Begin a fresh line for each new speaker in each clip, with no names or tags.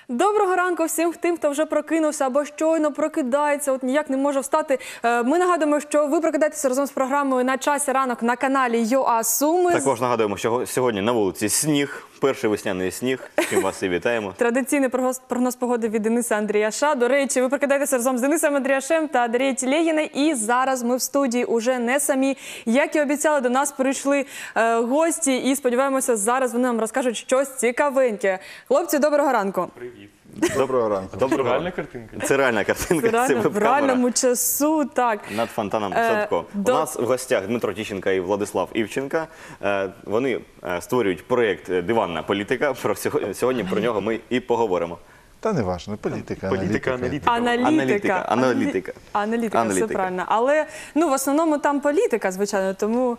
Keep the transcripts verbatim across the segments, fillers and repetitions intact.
Доброго ранку всім тим, хто вже прокинувся або щойно прокидається, от ніяк не може встати. Ми нагадуємо, що ви прокидаєтеся разом з програмою «На часі ранок» на каналі ЮА Суми.
Також нагадуємо, що сьогодні на вулиці сніг, перший весняний сніг, чим вас і вітаємо.
Традиційний прогноз, прогноз погоди від Дениса Андріяша. До речі, ви прокидаєтеся разом з Денисом Андріяшем та Дарією Телегіною. І зараз ми в студії уже не самі. Як і обіцяли, до нас прийшли е, гості і сподіваємося, зараз вони нам розкажуть щось цікавеньке. Хлопці, доброго ранку.
Привіт.
Доброго ранку.
Доброго
Реальна
ранку.
картинка?
Це реальна картинка,
Це реально,
це
в
веб-камера.
реальному часу, так.
Над фонтаном
Е,
Садко.
до-
У нас в гостях Дмитро Тищенко і Владислав Івченко. Е, Вони е, створюють проєкт «Диванна політика». Про сьогодні, сьогодні про нього ми і поговоримо.
Та не важно, політика,
Політика,
аналітика.
аналітика.
Аналітика.
Аналітика, аналітика.
Аналітика,
Аналітика.
все правильно. Але, ну, в основному там політика, звичайно, тому...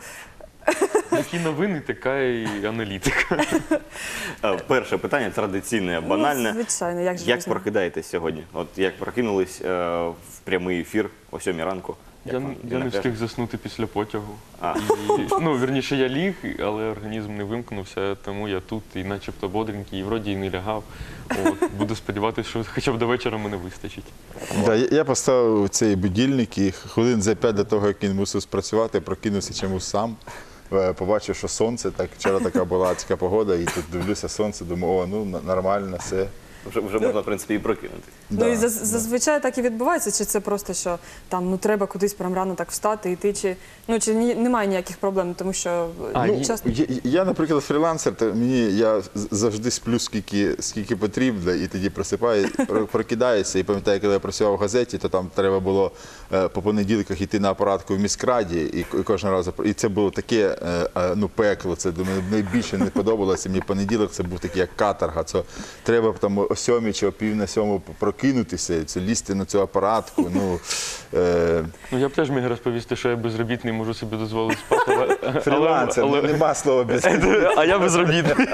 Які новини, така і аналітика.
Е, Перше питання традиційне, банальне.
Ну, звичайно, як же
Як
без нього?
прокидаєтесь сьогодні? От як прокинулись е, в прямий ефір о сьомій ранку? Як
Я,
вам?
я не
напряжно?
встиг заснути після потягу.
А.
І, ну, вірніше, я ліг, але організм не вимкнувся, тому я тут і начебто бодренький, і вроді і не лягав. От, буду сподіватися, що хоча б до вечора мене вистачить.
Да, я- я поставив цей будильник і хвилин за п'ять до того, як він мусив спрацювати, прокинувся чомусь сам. Е, Побачив, що сонце, так вчора така була така погода, і тут дивлюся сонце, думаю, о, ну н- нормально, все.
Вже, вже можна, в принципі, і прокинути.
Ну
Да.
і заз- зазвичай так і відбувається, чи це просто, що там ну треба кудись прям рано так встати, йти, чи ну чи ні, немає ніяких проблем, тому що
А,
ну,
ні.
часто
Я, я, наприклад, фрілансер, то мені я з- завжди сплю скільки, скільки потрібно, і тоді просипаю, про- прокидаюся. І пам'ятаю, коли я працював в газеті, то там треба було е, по понеділках йти на апаратку в міськраді, і, к- і кожен раз і це було таке е, е, ну пекло. Це думаю, найбільше не подобалося. Мені понеділок це був такий як каторга. Це треба там о сьомій чи о пів на сьому прокинутися, це лізти на цю апаратку. Ну е,
Ну, я б теж міг розповісти, що я безробітний, можу собі дозволити спати, але... але-
фрілансер,
але-
ну, нема слова без.
А я безробітний.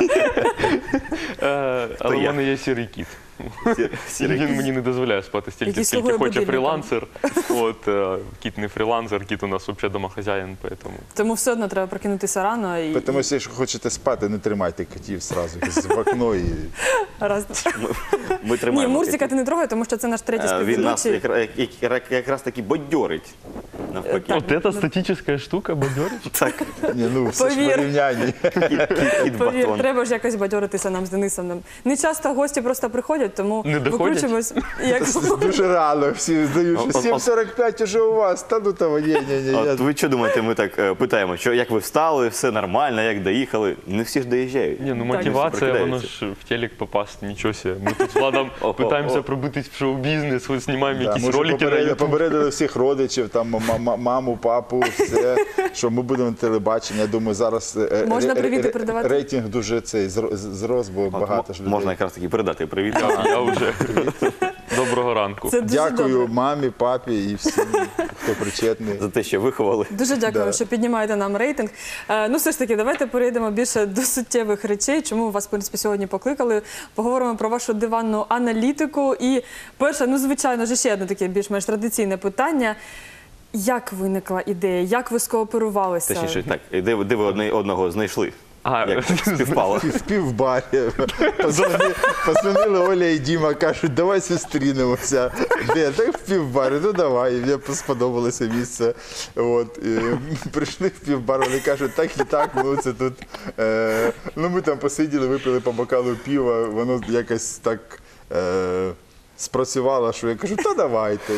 Е, Але в
я?
мене є сірий кіт.
Сірий
Він мені не дозволяє спати стільки,
Який
скільки
слугує
хоче
будильником.
фрілансер. От, е, кіт не фрілансер, кіт у нас взагалі домохазяїн, поэтому...
тому все одно треба прокинутися рано і
Тому що, якщо хочете спати, не тримайте котів зразу в окно і
раз.
Ми
Ні,
тримаємо.
Мурзика ти не трогай, тому що це наш третій
Е, Він нас
співведучий.
якраз, як- якраз таки бадьорить. Навпаки.
От ця статична штука бадьорить.
Так,
ні, ну все ж
Повір.
порівнянні.
кіт
Повір,
батон.
треба ж якось бадьоритися нам з Денисом. Не часто гості просто приходять, тому
Не доходять?
викручуємось. Як...
Дуже рано всі здають, що
От- от-
сім сорок п'ять уже у вас. Та ну того, ні, ні, ні.
От
я-
ви що думаєте, ми так е, питаємо, що як ви встали, все нормально, як доїхали? Не всі ж доїжджають.
Ні, ну
Так.
мотивація, воно
Прокидаються.
ж в телек попасти, нічого себе. Ми тут з Владом
О-о-о.
питаємося пробитись в шоу-бізнес, ось знімаємо
Да,
якісь
ми вже
ролики на
попередили,
YouTube.
попередили всіх родичів, там ма- ма- маму, папу, все, що ми будемо на телебаченні. Я думаю, зараз е,
Можна
ре-
привіти
ре-
передавати?
рейтинг дуже цей зро- зрос, бо
От
багато
мо-
ж людей.
Можна якраз таки передати привіт.
Я вже. Доброго ранку.
Це дуже
Дякую
добре.
мамі, папі і всім, хто причетний.
За те, що виховали.
Дуже дякую,
Да.
що піднімаєте нам рейтинг. Е, ну, все ж таки, давайте перейдемо більше до суттєвих речей. Чому вас, в принципі, сьогодні покликали? Поговоримо про вашу диванну аналітику. І перше, ну, звичайно ж, ще одне таке більш-менш традиційне питання. Як виникла ідея? Як ви скооперувалися?
Точніше, так, і де, ви- де ви одне одного знайшли?
А,
Як співпало?
В півбарі. Позвонили, позвонили Оля і Діма, кажуть, давай зустрінемося. Де? Так в півбарі, ну давай. І мені сподобалося місце. От. І прийшли в півбар, вони кажуть, так і так, ну це тут. Е, ну ми там посиділи, випили по бокалу пива, воно якось так е, спрацювало, що я кажу, та давайте.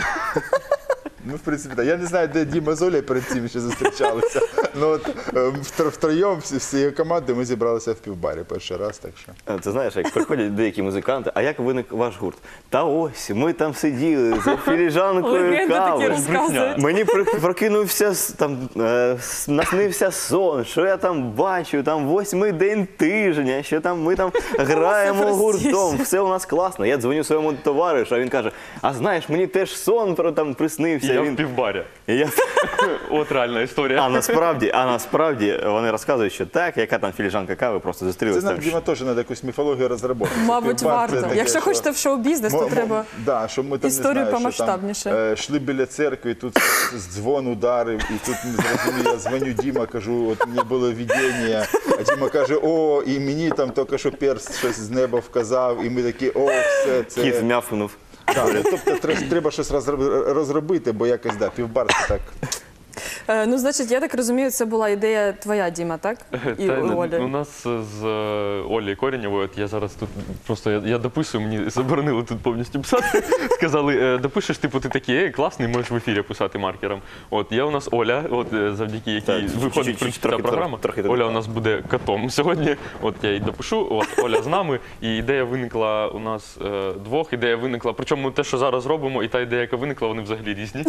Ну, в принципі, так. Я не знаю, де Діма з Олею перед цим ще зустрічалися. Ну, от е, втро- втроєм всі- всією командою ми зібралися в півбарі перший раз, так що.
Е, Ти знаєш, як приходять деякі музиканти, а як виник ваш гурт? Та ось, ми там сиділи за філіжанкою
Легенди такі
кави.
розказують.
Мені при- прокинувся, с- там, е, с- наснився сон, що я там бачу, там восьмий день тижня, що там ми там граємо
простіше.
гуртом, все у нас класно. Я дзвоню своєму товаришу, а він каже, а знаєш, мені теж сон про там приснився.
Я
Він там
півбаря.
І я...
От реальна історія.
А насправді, а насправді вони розказують, що так, яка там філіжанка кави, просто
Це
зустрілися.
нам, Діма, теж треба якусь міфологію розробити.
Мабуть, варто. Якщо хочете в шоу-бізнес, то
Мо- мо-
треба
да, щоб ми там,
історію
не знаю,
помасштабніше.
Що там, е, йшли біля церкви, тут дзвон ударив, і тут не зрозумів, я дзвоню Діма, кажу, от мені було видіння, а Діма каже, о, і мені там тільки що перст щось з неба вказав, і ми такі, о, все, це...
Кіт м'явкнув.
Да, ну, тобто тре- треба щось розроб- розробити, бо якось, да, півбар це так.
Е, Ну, значить, я так розумію, це була ідея твоя, Діма, так? І
Та,
у
у
Олі.
нас з е, Олею Коренєвою, от я зараз тут просто я, я дописую, мені заборонили тут повністю писати. Сказали, е, допишеш, типу, ти такий, ей, класний, можеш в ефірі писати маркером. От є у нас Оля, от е, завдяки якій
Так,
виходить
чуть-чуть,
в принципі,
трохи,
ця програма.
трохи, трохи
Оля
так.
у нас буде котом сьогодні. От я їй допишу, от Оля з нами. І ідея виникла у нас е, двох. Ідея виникла. Причому те, що зараз робимо, і та ідея, яка виникла, вони взагалі різні.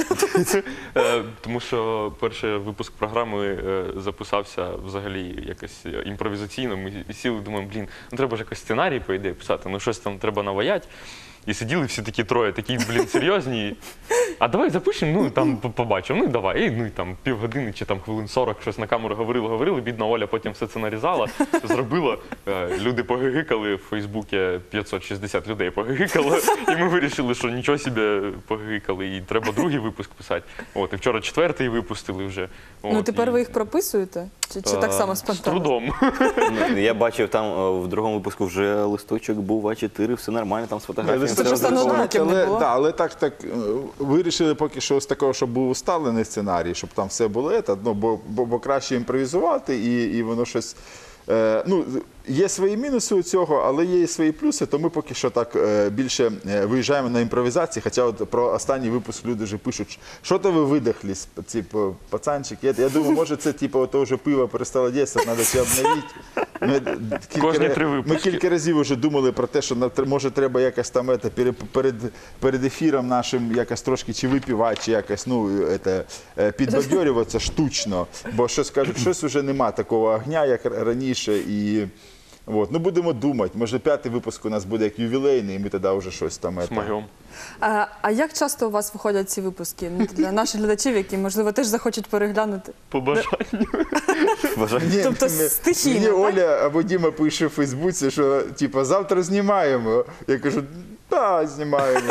Е, Тому що перший випуск програми е, записався взагалі якось імпровізаційно. Ми сіли, думаємо, блін, ну треба ж якось сценарій, по ідеї, писати, ну щось там треба наваять. І сиділи всі такі троє, такі, блін, серйозні. А давай запишемо, ну там по- побачимо. Ну і давай. І, ну і там півгодини чи там хвилин сорок щось на камеру говорили, говорили. Бідна Оля потім все це нарізала, зробила. Е, Люди погигикали, в Фейсбуці п'ятсот шістдесят людей погигикало. І ми вирішили, що нічого собі погигикали, і треба другий випуск писати. От, і вчора четвертий випустили вже.
Ну,
От,
тепер
і-
ви їх прописуєте? Чи, чи так само
З
спонтанно?
трудом.
Ну, я бачив там е, в другому випуску вже листочок був а чотири, все нормально, там з фотографіями.
Це
все
просто
розраховано.
ноутбуків не
але,
було?
да, але так, так е, вирішили поки що з такого, щоб був усталений сценарій, щоб там все було, ета, ну, бо, бо, бо краще імпровізувати і, і воно щось. Е, ну, є свої мінуси у цього, але є і свої плюси, то ми поки що так е, більше е, виїжджаємо на імпровізації, хоча от про останній випуск люди вже пишуть, що то ви видихлись, типу, пацанчики. Я, я думаю, може це типу, то вже пиво перестало дійсно, треба це обновити. Ми, кілька
Кожні
ра-
три
ми
випуски.
кілька разів вже думали про те, що на- може треба якось там ете, перед, перед, перед ефіром нашим якось трошки чи випівати, чи якось ну, ете, е, підбадьорюватися штучно, бо щось кажуть, щось вже нема такого огня, як раніше. І от, ну будемо думати, може п'ятий випуск у нас буде як ювілейний, і ми тоді вже щось там.
З
ете,
майом.
А, а як часто у вас виходять ці випуски? Ну, для наших глядачів, які, можливо, теж захочуть переглянути.
По бажанню.
Бажаю.
Ні,
Тобто
мені-
стихійно,
Мені
так?
Оля або Діма пише в Фейсбуці, що типу, завтра знімаємо. Я кажу, так, знімаємо.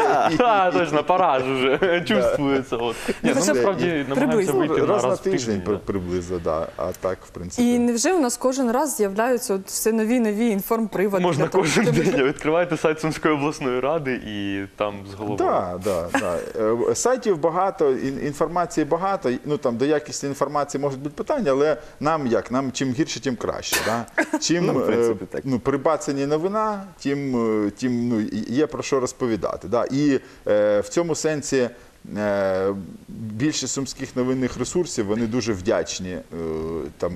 А, точно, пора ж уже. Чувствується. От. Ні, ну,
хоча б
насправді намагаємося
приблизно.
вийти на
Раз на
раз в
тиждень
тиждень.
при-
да.
приблизно, да. А так, в принципі.
І невже у нас кожен раз з'являються от все нові нові інформприводи?
Можна
для того,
кожен
щоб-
день. Відкриваєте сайт Сумської обласної ради і там з головою.
Да, да, да. Е, Сайтів багато, ін- інформації багато. Ну там до якості інформації можуть бути питання, але нам як? Нам чим гірше, тим краще. Да? Чим
Ну, в принципі,
е,
так.
ну, прибацані новина, тим, е, тим ну, є про що розповідати. Да? І е, в цьому сенсі. е, Більшість сумських новинних ресурсів вони дуже вдячні. е, Там,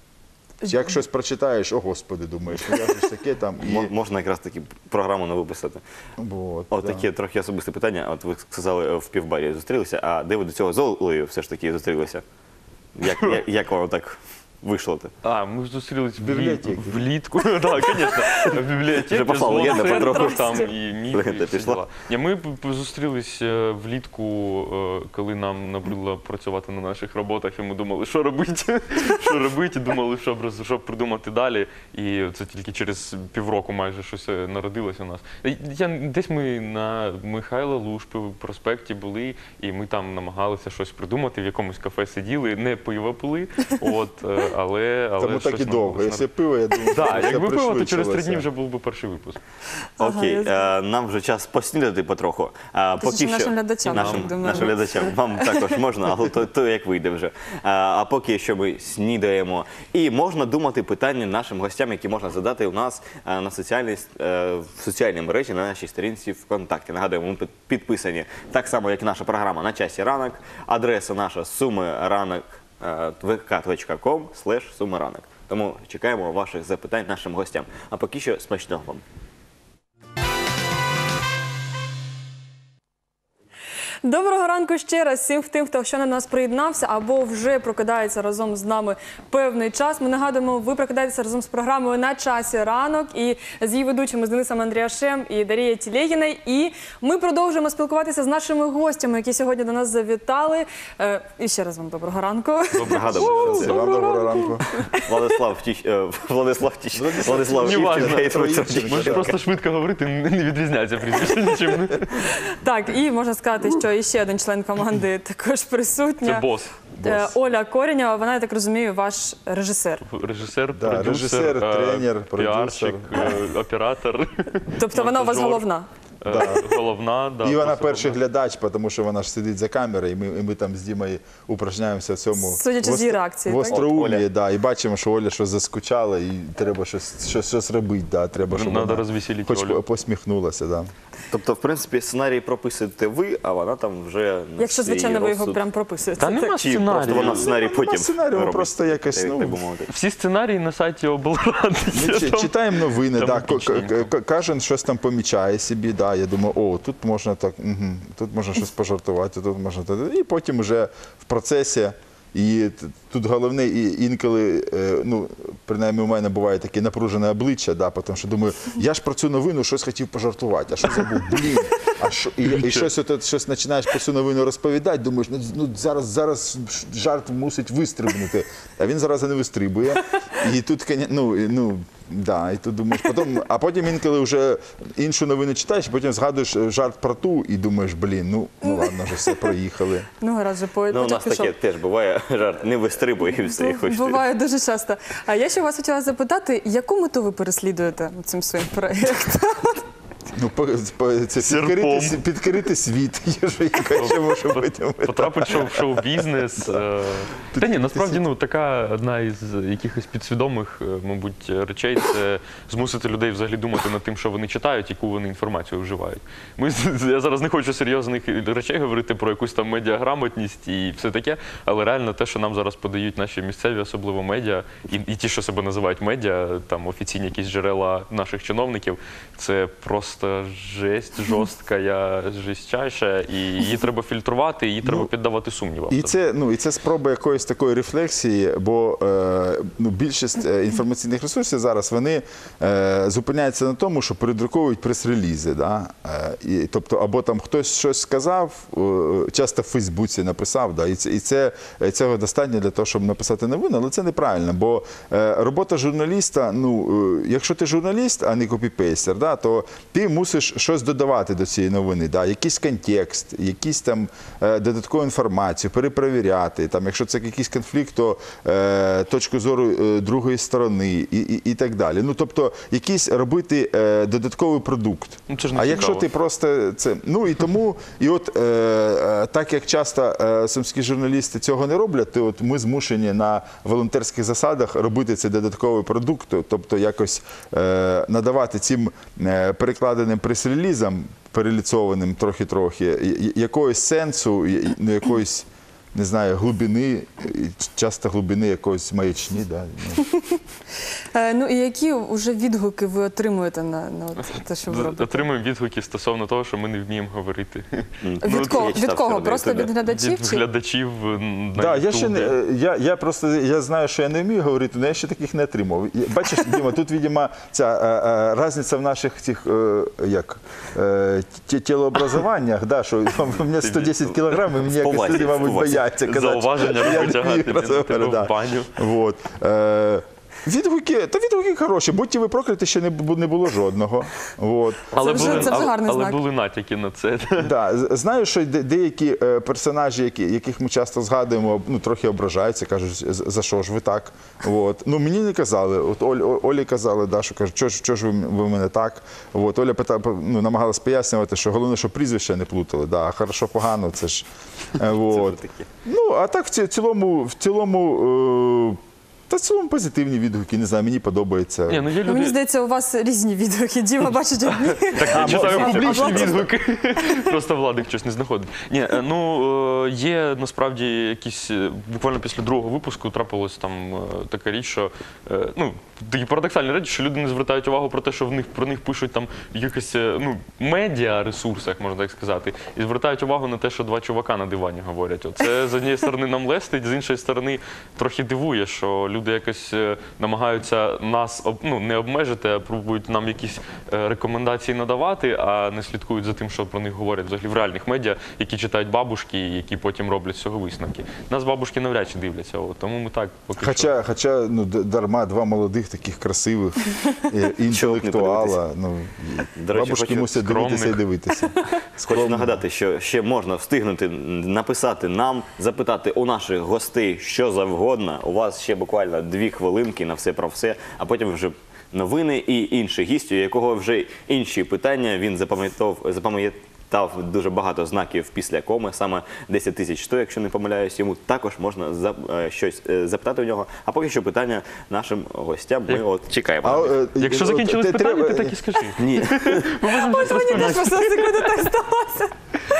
як щось прочитаєш, о господи, думаєш, ну я ж таке там.
Мо-
І,
Можна якраз таки програму не виписати.
от,
От
да.
таке трохи особисте питання. От ви сказали, в півбарі зустрілися, а де ви до цього з Олею все ж таки зустрілися? Як, як, як воно так вийшло?
А, ми ж зустрілись в
бібліотеці.
влітку. Так, звісно. В бібліотеці.
Вже пішла
з
легенда
волонтером,
потроху.
там і міф, і
Легенда
всі
пішла.
діла. Ні, ми п- п- зустрілись е, влітку, е, коли нам набридло працювати на наших роботах, і ми думали, що робити, що робити, і думали, що, б- що б придумати далі. І це тільки через півроку майже щось е, народилось у нас. Е, Я, десь ми на Михайла Лушпи в проспекті були, і ми там намагалися щось придумати, в якомусь кафе сиділи, не пиво пили, от, е, але, але
Тому так і
щось
довго.
нам-
Якщо пиво, я думаю,
Так,
це
якби пиво, то через три
пришвидшилося.
дні вже був би перший випуск.
Ага,
Окей,
я
е, нам вже час поснідати потроху. А,
Точніше, нашим глядачам,
Нашим,
будемо
нашим
робити.
глядачам. Вам також можна, але то, то як вийде вже. А, а поки що ми снідаємо. І можна думати питання нашим гостям, які можна задати у нас е, на соціальній, е, в соціальній мережі на нашій сторінці ВКонтакті. Нагадуємо, ми під- підписані так само, як і наша програма «На часі ранок». Адреса наша сумиранок, vk.com слеш сумиранок. Тому чекаємо ваших запитань нашим гостям. А поки що смачного вам.
Доброго ранку ще раз всім тим, хто ще на нас приєднався або вже прокидається разом з нами певний час. Ми нагадуємо, ви прокидаєтеся разом з програмою «На часі ранок» і з її ведучими з Денисом Андріашем і Дарією Тілегіною. І ми продовжуємо спілкуватися з нашими гостями, які сьогодні до нас завітали. Е, І ще раз вам доброго ранку.
Нагадуємо, що це
Вам доброго ранку.
Владислав Тіч... е, Владислав Тіч... Владислав
Не важно.
Івченко і Троїцький.
Можеш просто швидко говорити, не відрізняється прізвище нічим.
Так, і можна сказати, що іще один член команди також присутня.
Це бос.
Е, Оля Коренєва, вона, я так розумію, ваш режисер.
Режисер,
Да,
продюсер,
режисер,
е,
тренер,
піарщик, е, оператор.
Тобто вона у вас
монтажер.
головна.
Е, Головна, да.
І вона
просто
перший
головна.
глядач, тому що вона ж сидить за камерою, і ми, і ми там з Дімою упражняємося в цьому.
Судячи з її реакції,
В
так?
остроумії,
Оля.
да, і бачимо, що Оля щось заскучала, і треба щось, щось, щось робити. Да, треба, щоб
Надо
вона
розвеселити
хоч
Олю.
посміхнулася. Да.
Тобто, в принципі, сценарій прописуєте ви, а вона там вже на
Якщо,
свій
звичайно, ви його
розсуд.
прям прописуєте.
Та нема
Чи просто
сценарію.
вона сценарій потім
сценарію,
робить,
просто якось,
так,
ну,
так би мовити.
Всі сценарії на сайті облради.
Ми чи- читаємо новини,
там
да, ко-
логічненько.
к- кожен щось там помічає собі, да, я думаю, о, тут можна так, угу, тут можна щось пожартувати, тут можна так. І потім вже в процесі. І т- тут головне, і інколи, е, ну, принаймні у мене буває таке напружене обличчя, да, тому що думаю, я ж про цю новину щось хотів пожартувати, а що забув, блін, а що, і, і щось, от, щось починаєш про цю новину розповідати, думаєш, ну, ну зараз, зараз жарт мусить вистрибнути, а він зараз не вистрибує. І тут, коня- ну, і, ну, да, і тут думаєш, потім, а потім інколи вже іншу новину читаєш, потім згадуєш жарт про ту і думаєш, блін, ну, ну ладно, вже все, проїхали.
Ну, гаразд, же по
Ну, у
потяг
нас
пішов.
таке теж буває, жарт не вистрибує і все, і хочете.
Буває дуже часто. А я ще вас хотіла запитати, яку мету ви переслідуєте цим своїм проєктом?
Ну, по, по, це
Серпом.
підкорити, с- підкорити світ, є ж яка ще може бути.
Потрапить в шоу- в шоу-бізнес. е. Та ні, насправді, ну, така одна із якихось підсвідомих, е, мабуть, речей – це змусити людей взагалі думати над тим, що вони читають, яку вони інформацію вживають. Ми, я зараз не хочу серйозних речей говорити про якусь там медіаграмотність і все таке, але реально те, що нам зараз подають наші місцеві, особливо медіа, і, і ті, що себе називають медіа, там офіційні якісь джерела наших чиновників, це просто жесть, жорстка, я жестяща, і її треба фільтрувати, її треба піддавати сумнівам.
І це, ну, і це спроба якоїсь такої рефлексії, бо е, ну, більшість е, інформаційних ресурсів зараз вони е, зупиняються на тому, що передруковують прес-релізи. Да? Е, і, тобто, або там хтось щось сказав, е, часто в Фейсбуці написав, да? і, це, і це, цього достатньо для того, щоб написати новину, але це неправильно, бо е, робота журналіста, ну, е, якщо ти журналіст, а не копіпейстер, да, то ти мусиш щось додавати до цієї новини, да? Якийсь контекст, якісь там е, додаткову інформацію, перепровіряти. Там, якщо це якийсь конфлікт, то е, точку зору е, другої сторони і, і, і так далі. Ну, тобто, якийсь робити е, додатковий продукт.
Ну, це ж не
а
цікаво.
якщо ти просто це, ну і тому, і от е, е, так як часто е, сумські журналісти цього не роблять, то от ми змушені на волонтерських засадах робити цей додатковий продукт, тобто якось е, надавати цим е, перекладеним прес-релізам, переліцованим трохи-трохи, я- якогось сенсу, я- ну, якоїсь, не знаю, глибини, і часто глибини якоїсь маячні. Да? Ну.
Е, Ну і які вже відгуки ви отримуєте на, на от те, що ви робите?
Отримуємо відгуки стосовно того, що ми не вміємо говорити.
Від кого?
я читав
Від кого?
серед
Просто
Ютубі.
від глядачів?
Від
Чи?
глядачів на
Да, я, ще
Ютубі.
не, я, я просто я знаю, що я не вмію говорити, але я ще таких не отримав. Я- Бачиш, Діма, тут, видимо, ця е, е, різниця в наших цих е, як, е, ті- тілообразуваннях, да, що у мене сто десять кілограм, і мені якось
повазі,
люди,
в
мабуть,
повазі.
бояться казати.
Зауваження
що я не
витягати,
вмію розмовляти,
тебе в
да.
баню.
Вот. Е, Відгуки, та відгуки хороші, будьте ви прокляті, ще не, бу- не було жодного. Вот.
Але,
вже-
були,
це вже
але-
гарний
але
знак.
були натяки на це.
Да, з- знаю, що де- деякі е, персонажі, які, яких ми часто згадуємо, ну, трохи ображаються, кажуть, «З- за що ж ви так? От. Ну, мені не казали. От Оль, О- Олі казали, да, що кажуть, що ж, що ж ви, м- ви мене так? От. Оля пита, ну, намагалась пояснювати, що головне, що прізвища не плутали. Да, а хорошо, погано, це ж. е,
Це
От.
вже таке.
Ну, а так в ці- цілому, в цілому е, Та в цілому позитивні відгуки, не знаю, мені подобається.
Ні, ну є
Ну, мені
люди.
здається, у вас різні відгуки. Діма бачить одні.
Так, я читаю
може,
публічні
а Влад-
відгуки. Просто Владик щось не знаходить. Ні, е, ну е, є насправді якісь е, буквально після другого випуску трапилась там е, така річ, що е, ну такі парадоксальні речі, що люди не звертають увагу про те, що в них про них пишуть там в якихось е, ну медіа ресурсах, можна так сказати, і звертають увагу на те, що два чувака на дивані говорять. Це з однієї сторони нам лестить, з іншої сторони трохи дивує, що люди якось е, намагаються нас об- ну, не обмежити, а пробують нам якісь е, рекомендації надавати, а не слідкують за тим, що про них говорять взагалі в реальних медіа, які читають бабушки, і які потім роблять з цього висновки. Нас бабушки навряд чи дивляться, от, тому ми так поки що.
Хоча, хоча ну, д- дарма два молодих таких красивих е, інтелектуала. Ну,
До речі,
бабушки
хочу
мусять дивитися і
скромних.
дивитися.
Хочу нагадати, що ще можна встигнути написати нам, запитати у наших гостей що завгодно. У вас ще буквально дві хвилинки на все про все, а потім вже новини і інший гість, у якого вже інші питання. Він запам'ятав, запам'ятав дуже багато знаків після коми, саме десять тисяч сто, якщо не помиляюсь. Йому також можна за, е, щось е, запитати у нього. А поки що питання нашим гостям. Ми от чекаємо.
А, е,
Якщо
от,
закінчились
те
питання,
треба-
ти так і скажи.
Ні.
Ось мені теж просто на секунду так сталося.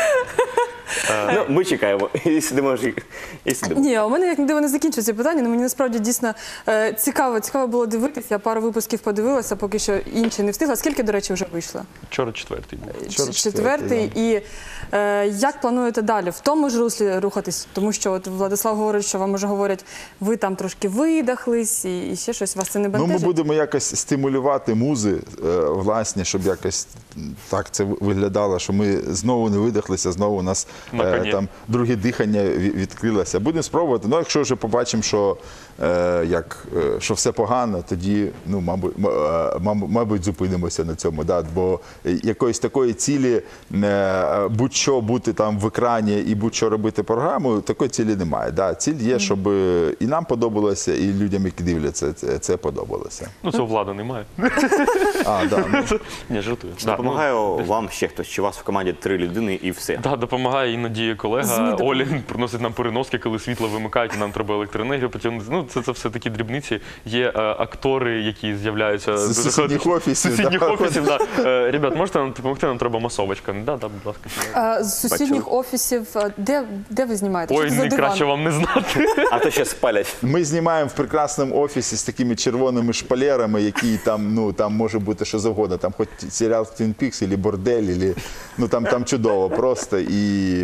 Ну, ми чекаємо. І сидимо. ж- І сидимо.
Ні, у мене як не диво не закінчується питання, але мені насправді дійсно е, цікаво, цікаво було дивитися. Я пару випусків подивилася, поки що інші не встигла. Скільки, до речі, вже вийшло?
Вчора четвертий був.
Вчора
Ч-
четвертий,
Четвертий. І е, як плануєте далі? В тому ж руслі рухатись? Тому що от Владислав говорить, що вам уже говорять, ви там трошки видахлись і, і ще щось. Вас це не
Ну, ми
бентежить?
будемо якось стимулювати музи е, власні, щоб якось так це виглядало, що ми знову не видихлися, знову у нас
На
е,
коні.
там друге дихання ві- відкрилося. Будемо спробувати. Ну, якщо вже побачимо, що, е, як, е, що все погано, тоді, ну, мабуть, м- е, мабуть, мабуть, зупинимося на цьому. Да? Бо якоїсь такої цілі, е, будь-що бути там в екрані і будь-що робити програму, такої цілі немає. Да? Ціль є, щоб і нам подобалося, і людям, які дивляться, це, це подобалося.
Ну, цього влада немає.
А, да, ну,
Ні, жартую.
Чи
Да,
допомагає
ну,
вам ще хтось? Чи у вас в команді три людини і все?
Так, допомагає іноді
ЗМІ
колега
допомагає.
Олі приносить нам переноски, коли світло вимикають, і нам треба електроенергію потягнути. Ну, це, це все такі дрібниці. Є е, актори, які з'являються
З
дуже
сусідніх
хаотично.
офісів,
З сусідніх
да.
офісів, да. Е, Ребят, можете нам допомогти? Нам треба масовочка. Да, да, будь ласка.
Е, з сусідніх офісів, е, де, де ви знімаєте?
Ой,
Що це за
не краще
диван?
вам не знати.
А то ще спалять.
ми знімаємо в прекрасному офісі з такими червоними шпалерами, які там, ну, там може бути що завгодно. Там хоч серіал Twin Peaks, або бордель, або, ну, там, там чудово просто. І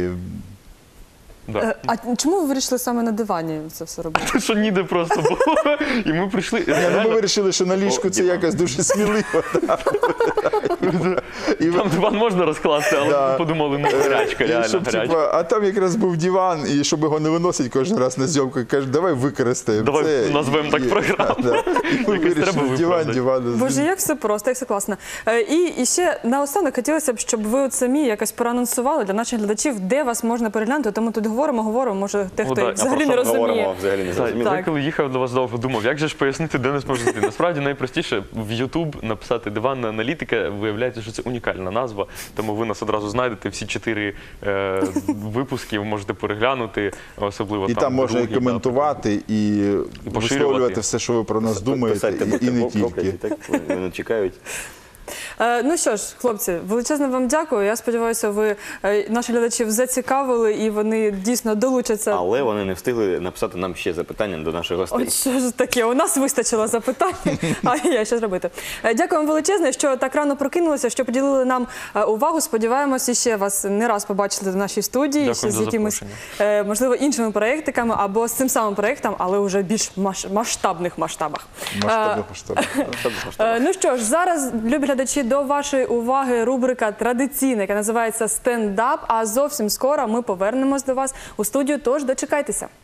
Да.
Е, А чому ви вирішили саме на дивані це все робити?
Що ніде просто було. І ми прийшли.
Ні, ну, ми вирішили, що на ліжку
О,
це
Діма.
якось дуже сміливо. Да. І,
Там диван можна розкласти, але
Да.
ми подумали, ну гарячка,
і
реально
щоб,
гарячка.
типа, а там якраз був диван, і щоб його не виносити кожен раз на зйомку, каже, давай використаємо
Давай
це.
назвемо
І-
так
і-
програму.
Да, да. І ми
Якось треба
вирішили диван,
виправдати.
диван.
Боже, як все просто, як все класно. Е, І, і ще наостанок хотілося б, щоб ви от самі якось проанонсували для наших глядачів, де вас можна переглянути. Тому тут говоримо, говоримо, може,
Ну,
дехто
да,
і
а
взагалі
Про
не
що ми говоримо,
розуміє.
взагалі не
Так,
зрозуміло.
я коли їхав до вас довго, думав, як же ж пояснити, де нас можна знайти. Насправді найпростіше в YouTube написати диванна аналітика, виявляється, що це унікальна назва, тому ви нас одразу знайдете. Всі чотири е, випуски ви можете переглянути, особливо
І
там,
там можна і
другі, да,
коментувати, і
поширювати.
висловлювати все, що ви про нас думаєте,
Писати,
і, і не
будьте прокляті,
тільки.
так? Вони чекають.
Е, Ну що ж, хлопці, величезне вам дякую. Я сподіваюся, ви е, наших глядачів зацікавили і вони дійсно долучаться.
Але вони не встигли написати нам ще запитання до наших гостей.
Ой, що ж таке? У нас вистачило запитань, а я що зробити. Е, Дякую вам величезне, що так рано прокинулися, що поділили нам е, увагу. Сподіваємося, ще вас не раз побачити в нашій студії,
Дякую
ще з
за
якимись,
запрошення.
е, можливо, іншими проєктиками або з цим самим проєктом, але вже більш маш- масштабних масштабах.
Масштабних масштабних.
Е, Ну що ж, зараз, любі глядачі, до вашої уваги рубрика традиційна, яка називається «Стендап», а зовсім скоро ми повернемось до вас у студію, тож дочекайтеся.